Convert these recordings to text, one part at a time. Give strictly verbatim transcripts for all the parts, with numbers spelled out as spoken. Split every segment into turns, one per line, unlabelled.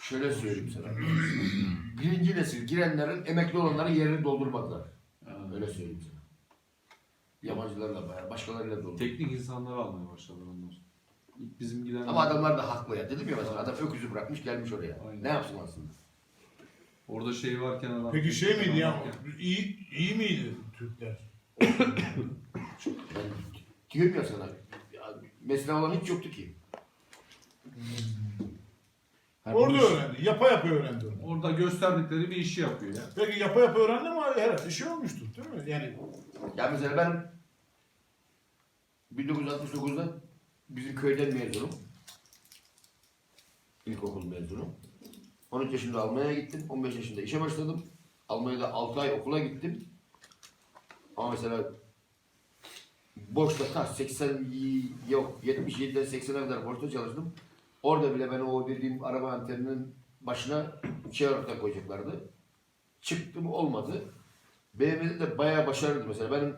Şöyle söyleyeyim sana. Birinci nesil girenlerin emekli olanların yerini doldurmadılar. Öyle söyleyeyim sana. Yabancılarla bayağı, başkalarıyla doldurdu.
Teknik insanları almaya başladılar ondan sonra. İlk bizim giden...
Ama adamlar da haklı ya. Dedim ya mesela adam öküzü bırakmış gelmiş oraya.
Aynen.
Ne yapsın aslında?
Orada şey varken adam...
Peki şey miydi ya?
varken-
İyi, iyi miydi Türkler?
Ben diyorum ya sana. Ya, mesela olan hiç yoktu ki.
Yani
Orada
bu iş-
öğrendi. Yapa yapa öğrendi onu.
Orada gösterdikleri bir işi yapıyor ya.
Peki yapa yapa öğrendi ama herhalde şey olmuştur değil mi? Yani
Ya mesela ben bin dokuz yüz altmış dokuzda bizim köyden mezunum. İlkokul mezunum. on üç yaşında Almanya'ya gittim. on beş yaşında işe başladım. Almanya'da altı ay okula gittim. Ama mesela boşta kaç? seksen yok. yetmiş yediden seksene kadar boşta çalıştım. Orada bile ben o dediğim araba anteninin başına şey olarak koyacaklardı. Çıktım olmadı. B M W'de de bayağı başarılıydı mesela. Benim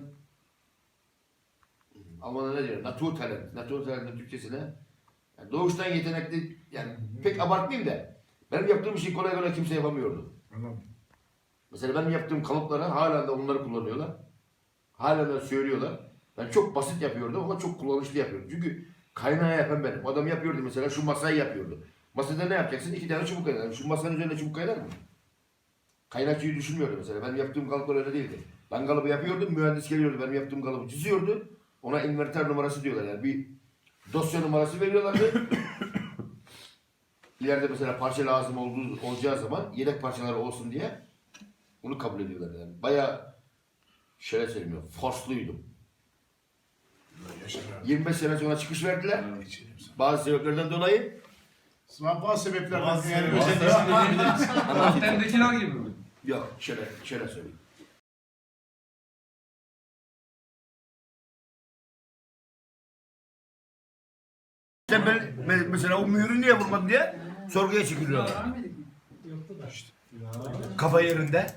Almanlar ne diyor? Naturtalent. Naturtalent'in Türkçesine. Yani doğuştan yetenekli, yani pek abartmayayım da benim yaptığım işi kolay kolay kimse yapamıyordu.
anladım.
Mesela benim yaptığım kalıpları hala da onları kullanıyorlar. Hala da söylüyorlar. Ben çok basit yapıyordum ama çok kullanışlı yapıyordum. Çünkü kaynağı yapan benim. O adam yapıyordu mesela, şu masayı yapıyordu. Masada ne yapacaksın? İki tane çubuk kaynar. Şu masanın üzerine çubuk kaynar mı? Kaynakçıyı düşünmüyordu mesela. Benim yaptığım kalıplar öyle değildi. Ben kalıbı yapıyordum, mühendis geliyordu. Benim yaptığım kalıbı çiziyordu. Ona inverter numarası diyorlar yani. Bir dosya numarası veriyorlardı. İleride mesela parça lazım olduğu olacağı zaman yedek parçaları olsun diye bunu kabul ediyorlar yani. Bayağı şöyle söyleyeyim, forsluydum.
Yaşar abi.
yirmi beş sene sonra çıkış verdiler.
İçelim sana.
Bazı sebeplerden dolayı.
Bazı sebeplerden
Bazı
yani
sebeplerden
özellikle
Antendekiler gibi mi?
Yok, şöyle, şöyle söyleyeyim. Sen ben, me- mesela o mühürü niye vurmadın diye sorguya çekiliyorlar. Kafa yerinde.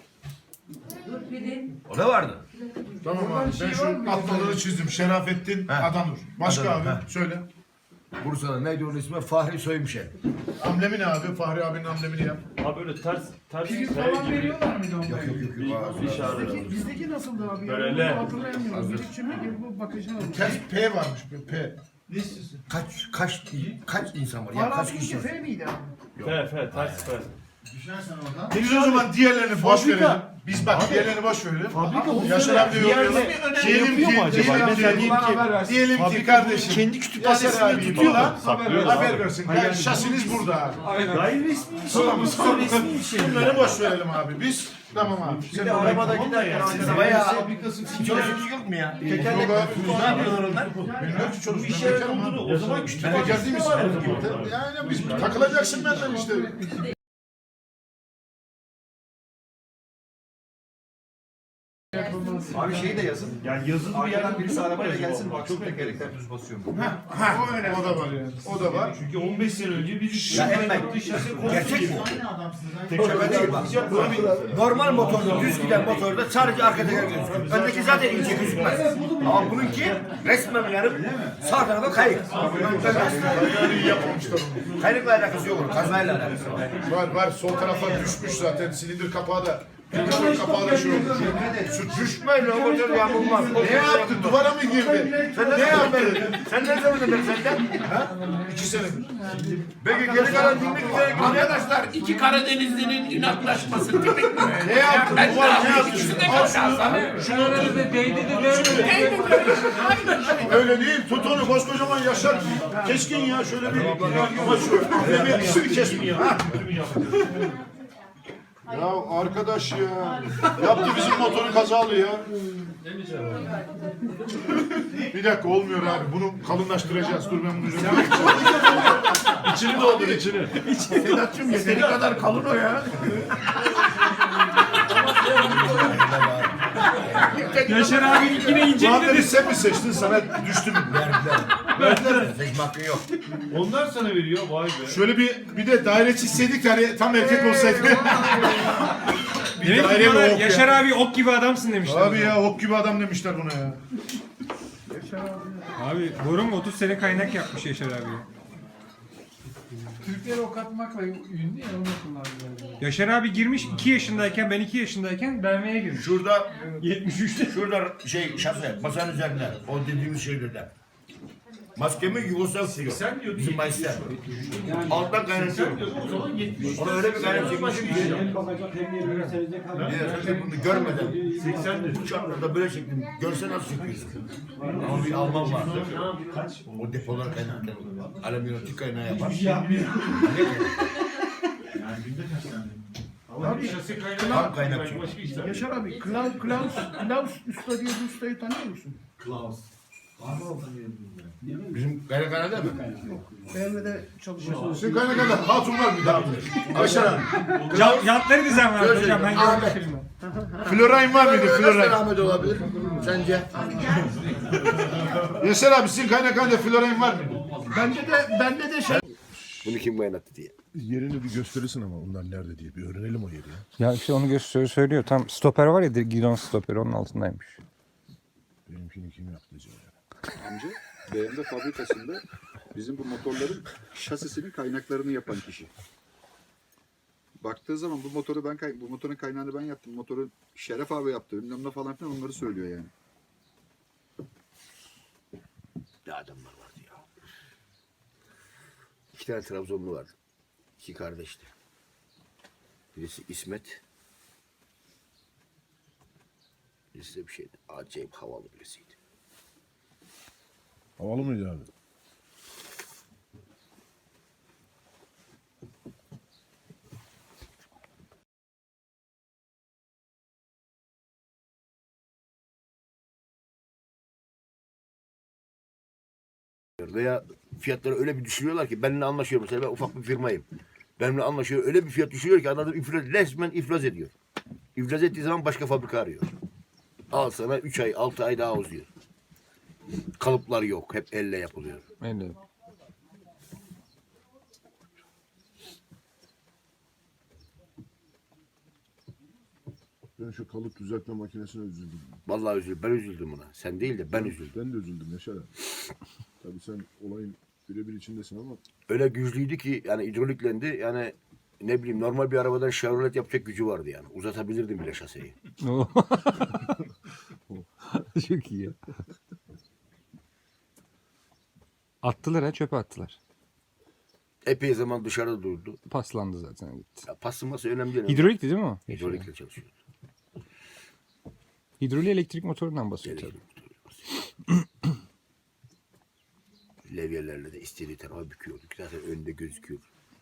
O da vardı.
Tamam abi ben şu atlaları çizdim. Şerafettin
He.
Adanur. Başka
Adanur,
abi
he.
söyle.
Bursa'da neydi onun ismi? Fahri Soymuşen.
Amblemi ne abi? Fahri abinin amblemini yap.
Abi böyle ters ters
Peki
T
falan
gibi
veriyorlar mıydı onları?
Yok yok yok.
bir,
yok.
bir işaret.
Bizdeki, bizdeki nasıldı abi?
Böyle
Yani
L.
bunu hatırlayamıyorum. Birikçimi gibi bu bakışına bak.
Ters P varmış. P. Ne istiyorsun?
Kaç kaç kaç insan var? Ya
Var
kaç
abi
kişi
ince
var?
F miydi abi?
F F ters F.
Biz o zaman diğerlerini boş
Fabrika.
verelim. Biz bak diğerlerini boş verelim.
Fabrika bu
Yaşar abi de
bir yerde
yorumlayalım.
şey yapıyor mu acaba?
Diyelim ki,
Mesela
diyelim ki, diyelim ki kardeşim.
kendi
Yaşar
kütüphanesinde
abi
tutuyorlar.
falan
Saklıyorlar
haber
abi.
versin. Yani şasiniz burada abi.
Gayri resmi bir şey.
Tamam,
Bu
tamam.
resmi bir şey.
Bunları boş verelim abi. Biz tamam abi. Sen de
Arabada giderken
Siz bayağı çalışıyorsunuz yok mu ya?
tekerlek ne yapıyorlar onlar? Bilmiyorum ki
Bu
çalışıyor.
işe yaradığını o zaman
Ben
kütüphanesi
bekar değil misin?
var o zaman.
Yani biz takılacaksın benden işte.
Abi şeyi de yazın.
Yani yazılı bir
Arkadan
yerden
birisi arabayla gelsin
Çok
baksın tekerlekler düz basıyor mu?
Ha, o da var yani. O da var.
Çünkü on beş sene önce biz
Ya Emre, gerçek mi? Şöyle değil bak. Normal motorda, düz giden motorda sadece arka teker gözüküyor. Öndeki zaten ince gözükmez. Ama bununki resmen yarım sağ tarafa kayık.
Yani iyi yapmamışlar onu.
Kayıkla alakası yok onun, kazmayla alakası var.
Var var sol tarafa düşmüş zaten silindir kapağı da. Silindir kapağı da şey olmuş.
Şu düşmeyle o motor yamulmaz.
Ne yaptı? Duvara mı girdi?
Sen ne yaptın? Sen ne zaman dedin senden?
İki senedir.
Peki geri kalan dinle güzel.
Arkadaşlar iki Karadenizli'nin inatlaşması tipik mi?
Ne yaptı?
Ben
Duvar ne
yapayım?
yaptı?
İkisi de
Al
kaçar.
şunu. Şunu öyle değil. Tut onu koskocaman Yaşar. Keskin ya şöyle bir. Ama şu. Ne bir ikisini kesmiyor. Ha. Ya arkadaş ya. Yaptı bizim motoru kazalı ya. Bir dakika olmuyor abi. Bunu kalınlaştıracağız. Dur ben bunu üzerine.
içini doldur içini.
Sedat'cığım yeteri kadar kalın o ya.
Yaşar abi yine ince
Muhammed'i sen mi seçtin? Sana düştü mü?
Verdiler. Seçme hakkın yok.
Onlar sana veriyor vay be.
Şöyle bir bir de daire çizseydik hani tam erkek olsaydı. Bir
Demek ki
daire
diyorlar,
bir ok
Yaşar
ya.
abi ok gibi adamsın demişler.
Abi ya ok gibi adam demişler buna ya.
Abi doğru mu? otuz sene kaynak yapmış Yaşar abi.
Türkleri ok atmakla ünlü ya onu kullandılar.
Yaşar abi girmiş iki yaşındayken, ben iki yaşındayken B M W'ye girmiş.
Şurada
yetmiş üçte.
şurada şey şase masanın üzerinde o dediğimiz şeylerde. Maskemi Yugoslav suyu.
Sen diyordun
Bizim
yetmiş üç
Mayıs'ta.
var.
Alttan
Sen
kaynatıyor.
diyordun o zaman yetmiş üç.
Ona öyle bir kaynatıyor
Başka
ki.
bir şey yok.
Bir de bunu görmeden
seksen
bu şartlarda böyle çektim. Görse nasıl çekiyorsun? Ama bir Alman vardı. O depolar kaynarken alüminyum kaynağı yapar.
Yani günde kaç tane? Ama bir şase kaynağı
Tam kaynakçı.
başka işler.
Yaşar abi Klaus, Klaus, Klaus Usta diye bir ustayı tanıyor musun?
Bizim kaynakhanede mi?
B M W'de çalışıyor.
Sizin kaynakhanede hatun var bir daha. Aşağı.
Ya, yatları düzen var
Şöyle
hocam, ben
söyleyeyim.
görmüştüm.
Florayn var mıydı?
Nasıl
Florayn.
rahmet olabilir? Sence?
Yaşar abi sizin kaynakhanede Florayn var mıydı?
Bende de bende de şey
Bunu kim kaynattı diye.
Yerini bir gösterirsin ama onlar nerede diye bir öğrenelim o yeri ya.
Ya işte onu gösteriyor söylüyor. Tam stoper var ya gidon stoperi onun altındaymış.
Benimkini kim yaptı acaba ya?
Amca B M W fabrikasında bizim bu motorların şasisinin kaynaklarını yapan kişi. Baktığı zaman bu motoru ben kay- bu motorun kaynağını ben yaptım. Motoru Şeref abi yaptı. Bilmem ne falan filan onları söylüyor yani.
Ne adamlar vardı ya. İki tane Trabzonlu vardı. İki kardeşti. Birisi İsmet. Birisi de bir şeydi. Acayip havalı birisiydi.
Havalı mıydı abi?
Veya fiyatları öyle bir düşürüyorlar ki benimle anlaşıyor mesela ben ufak bir firmayım. Benimle anlaşıyor öyle bir fiyat düşürüyor ki adam iflas, resmen iflas ediyor. İflas ettiği zaman başka fabrika arıyor. Al sana üç ay altı ay daha uzuyor. Kalıplar yok hep elle yapılıyor.
Öyle.
Ben şu kalıp düzeltme makinesine üzüldüm.
Vallahi üzüldüm ben üzüldüm buna. Sen değil de ben üzüldüm.
Ben de üzüldüm Yaşar abi. Tabii sen olayın birebir içindesin ama
Öyle güçlüydü ki yani hidroliklendi yani ne bileyim normal bir arabadan Chevrolet yapacak gücü vardı yani. Uzatabilirdim bile şaseyi.
Çok iyi. Attılar ha çöpe attılar.
Epey zaman dışarıda durdu.
Paslandı zaten gitti.
Ya pasılması önemli değil.
Hidrolikti değil mi o?
Hidrolikle çalışıyor.
Hidroliği elektrik motorundan basıyor tabii.
Levyelerle de istediği tarafa büküyorduk. Zaten önünde gözüküyor.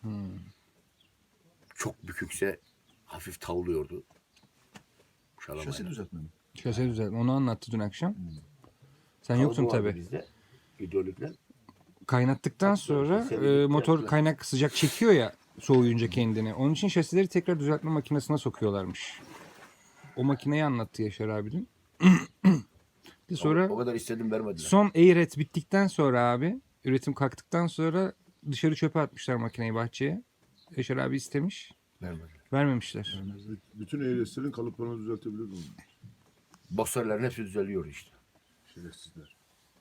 Çok bükükse hafif tavlıyordu.
Şasi
Şalamayla.
düzeltme mi?
Şase düzeltme. Onu anlattı dün akşam. Sen yoktun
Tavlu vardı
tabii.
Bizde hidrolikler.
Kaynattıktan sonra
Seni
e,
bitti
motor
yaptılar.
kaynak sıcak çekiyor ya soğuyunca kendini. Onun için şasileri tekrar düzeltme makinesine sokuyorlarmış. O makineyi anlattı Yaşar abi dün. Bir sonra
O, o kadar istedim vermediler.
son air bittikten sonra abi üretim kalktıktan sonra dışarı çöpe atmışlar makineyi bahçeye. Yaşar abi istemiş.
Vermediler.
Vermemişler.
bütün ehliyetlerin kalıplarını düzeltebilir miyim?
Boksörlerin hepsi düzeliyor işte.
Şerefsizler.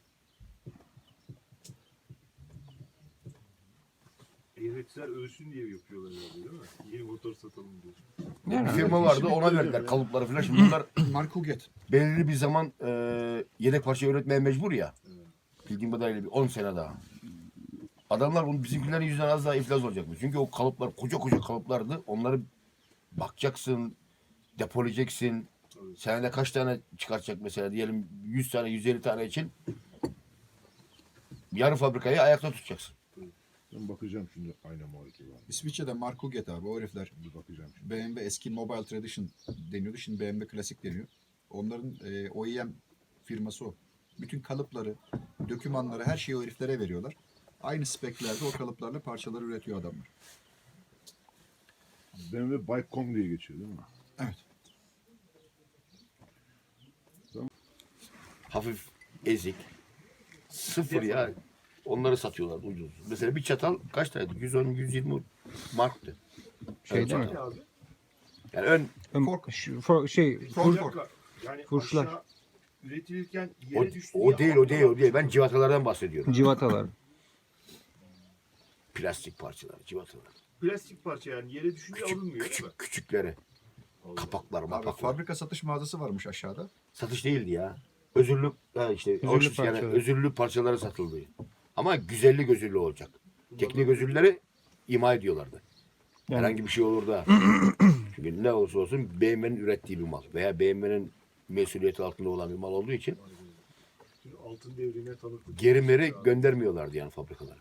Eğreticiler ölsün diye yapıyorlar herhalde değil mi? Yeni motor satalım diye.
Bir
Yani
firma vardı ona verdiler kalıpları falan. Şimdi bunlar
Mark Huget.
belirli bir zaman e, yedek parça üretmeye mecbur ya. Bildiğim kadarıyla bir on sene daha. Adamlar bunu bizimkilerin yüzünden az daha iflas olacakmış. Çünkü o kalıplar koca koca kalıplardı. Onları bakacaksın, depolayacaksın. Senede kaç tane çıkartacak mesela diyelim yüz tane yüz elli tane için yarı fabrikayı ayakta tutacaksın.
Ben bakacağım şimdi ayna muhalefeti var.
İsviçre'de Mark Huget abi o herifler.
Bir bakacağım şimdi.
B M W eski Mobile Tradition deniyordu. Şimdi B M W Klasik deniyor. Onların e, O E M firması o. Bütün kalıpları, dokümanları, her şeyi o heriflere veriyorlar. Aynı speklerde o kalıplarla parçaları üretiyor adamlar.
B M W Bike.com diye geçiyor değil mi?
Evet.
Hafif ezik. Sıfır ya. Onları satıyorlar ucuz. Mesela bir çatal kaç taneydi? yüz on yüz yirmi marktı.
şey değil mi?
Yani ön
Ön-
Fork.
şu- for- şey
Fork,
fur-
fork.
Yani
Furşlar.
aşağı üretilirken
o,
yere düştüğü
o değil o değil o değil. Ben civatalardan bahsediyorum.
civatalar.
Plastik parçaları, civatalar.
Plastik parça yani yere düşünce
Küçük,
alınmıyor değil mi?
küçük, küçükleri. Kapaklar,
Abi
mapaklar.
fabrika satış mağazası varmış aşağıda.
Satış değildi ya. Özürlü, ha işte
Özürlü
hoş- yani
parçalar.
özürlü parçaları satıldı. Ama güzellik özürlü olacak. Teknik özürleri ima ediyorlardı. Herhangi bir şey olur da. Çünkü ne olursa olsun B M W'nin ürettiği bir mal veya B M W'nin mesuliyeti altında olan bir mal olduğu için
Çünkü altın devrine tanıklık.
geri meri göndermiyorlardı yani fabrikalara.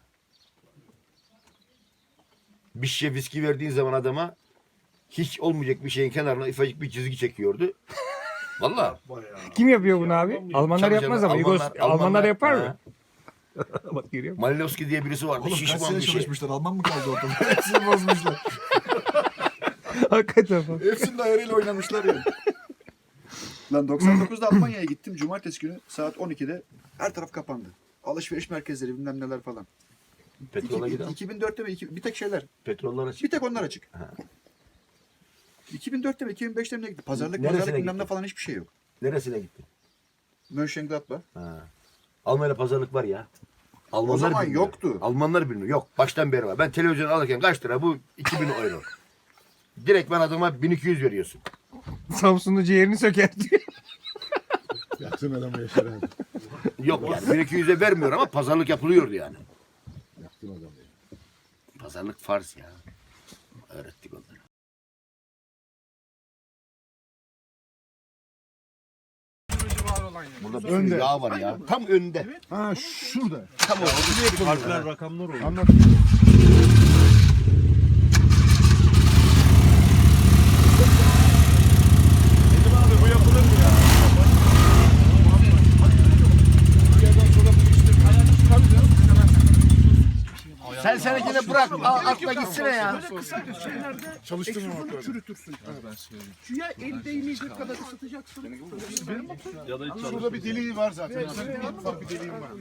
Bir şişe viski verdiğin zaman adama hiç olmayacak bir şeyin kenarına ufacık bir çizgi çekiyordu. Vallahi.
Bayağı.
Kim yapıyor bunu abi? Almanlar
Tabii
yapmaz
canım,
ama. Yugos- Almanlar, yapar mı?
ha.
Bak görüyor musun?
Malinowski diye birisi vardı.
Oğlum kaç
Şişman
sene
bir şey.
çalışmışlar. Alman mı kaldı ortada? Hepsini bozmuşlar.
Hakikaten bak.
Hepsinin ayarıyla oynamışlar ya. Lan doksan dokuzda Almanya'ya gittim. Cumartesi günü saat on ikide her taraf kapandı. Alışveriş merkezleri bilmem neler falan.
Petrola
İki-
gidelim.
iki bin dörtte mi? iki- Bir tek şeyler.
Petrollar açık.
Bir tek onlar açık. iki bin dörtte mi? iki bin beşte mi ne gitti? Pazarlık
Neresine
pazarlık bilmem ne
gitti?
falan hiçbir şey yok.
Neresine gitti?
Mönchengladbach.
Ha. Almanya'da pazarlık var ya. Almanlar
O zaman
bilmiyor.
yoktu.
Almanlar bilmiyor. Yok. Baştan beri var. Ben televizyon alırken kaç lira bu? iki bin euro. Direkt ben adama bin iki yüz veriyorsun.
Samsun'un ciğerini söker diyor.
Yaktın adamı Yaşar abi.
Yok yani bin iki yüze vermiyor ama pazarlık yapılıyordu yani.
Yaktın adamı.
Pazarlık farz ya. Öğrettik onları. Burada bir sürü
Önde.
yağ var ya. Tam önde.
Ha şurada.
Tam orada.
Harfler, rakamlar oluyor.
Anlat.
Dedim abi bu yapılır mı ya?
Sen senekini bırak. Al, atla gitsene ya.
Böyle kısa şeylerde
Çalıştırma
egzozunu
bakalım.
çürütürsün. Suya el değmeyecek kadar ısıtacaksın.
Ya da hiç
Şurada bir deliği var zaten. Ufak bir deliğim var.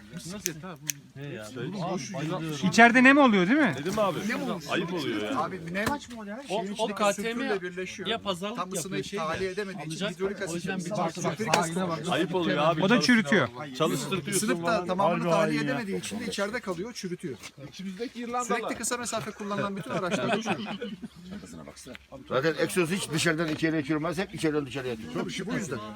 İçeride nem oluyor değil mi?
Dedim abi. Ayıp oluyor ya.
Abi nem şeyin içindeki sülfürle birleşiyor. Ya pazarlık Tam ısıyı tahliye edemediği için hidrolik asit, sülfürik asit oluyor.
Ayıp oluyor abi.
O da çürütüyor.
Çalıştırtıyorsun
Isınıp da
falan.
tamamını tahliye edemediği için de içeride kalıyor, çürütüyor.
İçimizdeki İrlandalı.
Sürekli kısa mesafe kullanılan bütün araçlar uçuyor.
Zaten egzoz hiç dışarıdan içeriye çürümez. Hep içeriden dışarıya atıyor.
Tabii bu yüzden.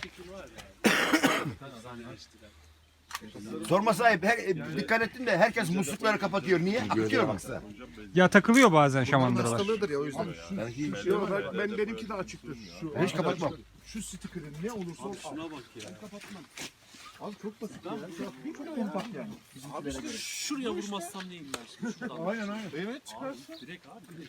Sorma sahip. Her, e, dikkat ettin de herkes muslukları kapatıyor. Niye? Akıyor mu?
Ya takılıyor bazen
Bunun
şamandıralar.
hastalığıdır ya o yüzden.
Yok, ben, ben benimki de açıktır. Şu,
Ben hiç kapatmam.
Şu sticker'ın ne olursa olsun. Şuna bak ya. Ben kapatmam. Abi çok basit ya. Çok kompakt yani. Abi işte
Şuraya vurmazsam neyim ben? Şuradan.
aynen aynen. Evet çıkarsın.
Direkt abi.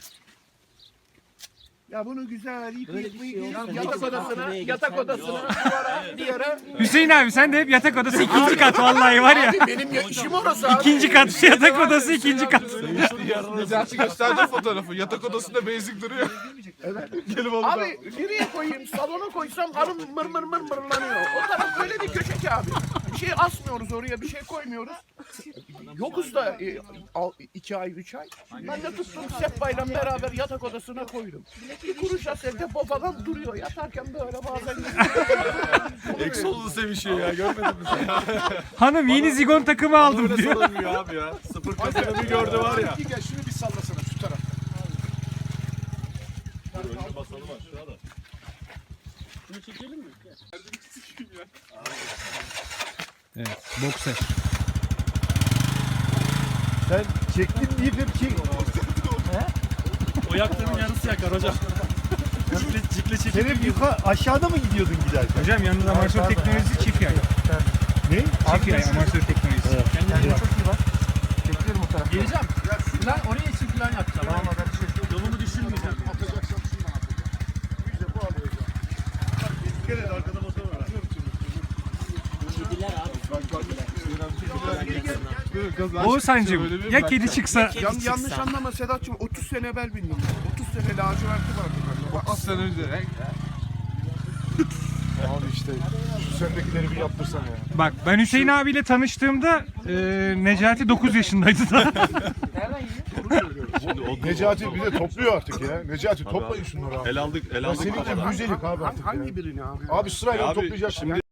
Ya bunu güzel yıkayıp
şey
yıkayıp yatak odasına, yatak odasına, duvara, bir yere.
Hüseyin abi sen de hep yatak odası ikinci kat vallahi var ya.
Benim ya- işim orası abi.
İkinci kat yatak odası ikinci kat.
Necati gösterdi fotoğrafı. Yatak odasında basic duruyor. Evet. Gelip onu
Abi nereye koyayım? Salona koysam hanım mır mır mır mırlanıyor. O taraf böyle bir köşe ki abi. Bir şey asmıyoruz oraya, bir şey koymuyoruz. Yokuz da e, al- iki ay, üç ay. Ben de tuttum Seppa'yla beraber yatak odasına koydum. Bir kuruş aselde babadan duruyor. Yatarken böyle bazen...
Exol'u sevişiyor ya görmedin mi sen?
Hanım yeni zigon takımı aldım
Böyle
diyor.
sorulmuyor abi ya. Sıfır kasını bir gördü var ya.
Bir gel şunu bir sallasana şu tarafta.
Önce basalım aşağıda.
Şunu çekelim mi?
Evet, bokser.
Sen çektin deyip hep çek.
O yaktığının yarısı yakar hocam. Cikle, cikle çekip
Sen hep yukarı aşağıda mı gidiyordun giderken?
Hocam yalnız amatör teknolojisi çift yay.
Ne?
Çift yay amatör teknolojisi.
kendine çok iyi bak. Çekiyorum o tarafa. Geleceğim. Plan oraya için plan yapacağım. Tamam ben yolumu düşünmeyeceğim.
Atacaksın şunu atacaksın. Biz de bu alacağız.
Dikkat et arkada motor var.
Kediler abi.
Oğuzhan'cığım ya kedi çıksa
Yan, yanlış anlama Sedat'cığım otuz sene evvel bindim. otuz sene laciverti vardı bende.
otuz sene önce. Abi işte şu sendekileri bir yaptırsana ya.
bak ben Hüseyin abiyle tanıştığımda e, Necati dokuz yaşındaydı da.
Necati bir de topluyor artık ya. Necati toplayın şunları abi.
El aldık, el
Ya
aldık
seninki
kafadan.
müzelik abi artık ya.
Hangi birini abi?
Abi sırayla
Abi,
toplayacaksın.
şimdi